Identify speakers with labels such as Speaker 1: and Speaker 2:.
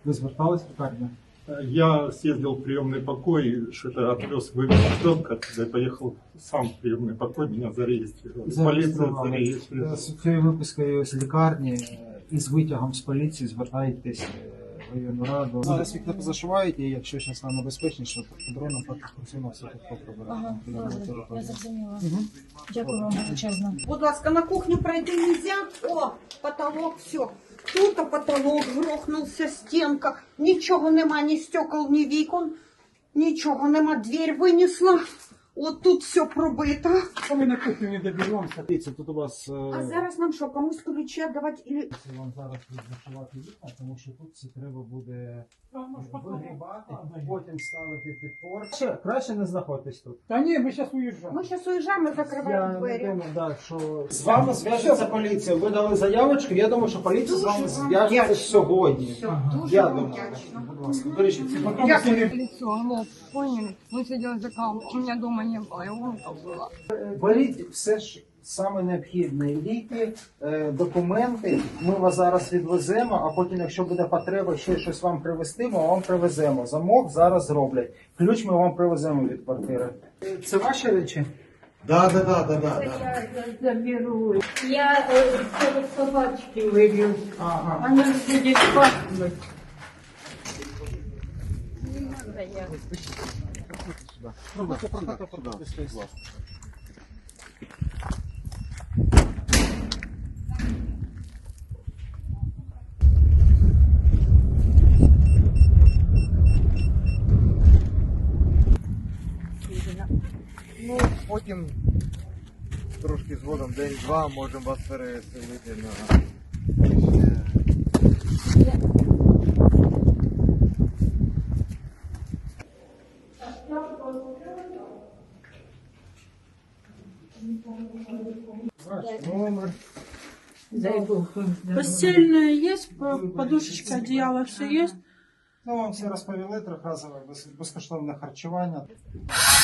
Speaker 1: Ви звертались в лікарню?
Speaker 2: Я съездил в приемный покой, что-то отвез, вывез ребенка, когда я поехал сам в приемный покой, меня зарегистрировали. Полиция зарегистрировала.
Speaker 1: З цією випискою з лікарні і з витягом з поліції звертаєтесь в районну раду. Зараз вікна позашивають, і якщо зараз нам небезпечніше, то дроном працюємо все тут поприбираємо.
Speaker 3: Ага, добре, я зрозуміла. Дякую вам величезно.
Speaker 4: Будь ласка, на кухню пройти нельзя. О, потолок, все. Тут потолок грохнувся, стінка. Нічого нема, ні стекол, ні вікон. Нічого нема, дверь винесла. От тут все пробито.
Speaker 1: Ми на кухню не доберемося. Дивіться, тут у вас...
Speaker 4: А зараз нам що, комусь ключі віддавати? Или...
Speaker 1: Це вам зараз відзашивати вікна, тому що тут це треба буде вигрібати, потім ставити підпор. Краще не знаходитесь тут.
Speaker 5: Та ні, ми зараз уїжджаємо.
Speaker 4: Ми зараз уїжджаємо, закриваємо
Speaker 1: Я
Speaker 4: двері.
Speaker 1: не думаю, да, що з вами зв'яжеться поліція. Ви дали заявочку, я думаю, що поліція з вами зв'яжеться сьогодні.
Speaker 4: Все, дуже
Speaker 1: Я
Speaker 4: вам
Speaker 1: думаю.
Speaker 4: вдячна.
Speaker 1: Будь ласка, бережіть ці фото.
Speaker 6: Лицо, лоб, поняли? Мы сидели за камерой, у меня дома не было, и ломка была.
Speaker 1: Беріть все ж саме необхідне. Ліки, документи. Ми вас зараз відвеземо, а потім, якщо буде потреба ще щось вам привезти, ми вам привеземо. Замок зараз зроблять. Ключ ми вам привеземо від квартири. Це ваші речі?
Speaker 7: Да.
Speaker 6: Я заберу. Я собачки выбью.
Speaker 1: Ага.
Speaker 6: Она будет пахнуть. Не надо я.
Speaker 7: Ну, потім трошки згодом, день-два, можемо вас переселити на...
Speaker 1: Номер.
Speaker 6: Дай Бог вам здоровья.
Speaker 5: Постельное есть, подушечка, одеяло, все есть.
Speaker 1: Ну, вам всі розповіли трьохразове безкоштовне харчування.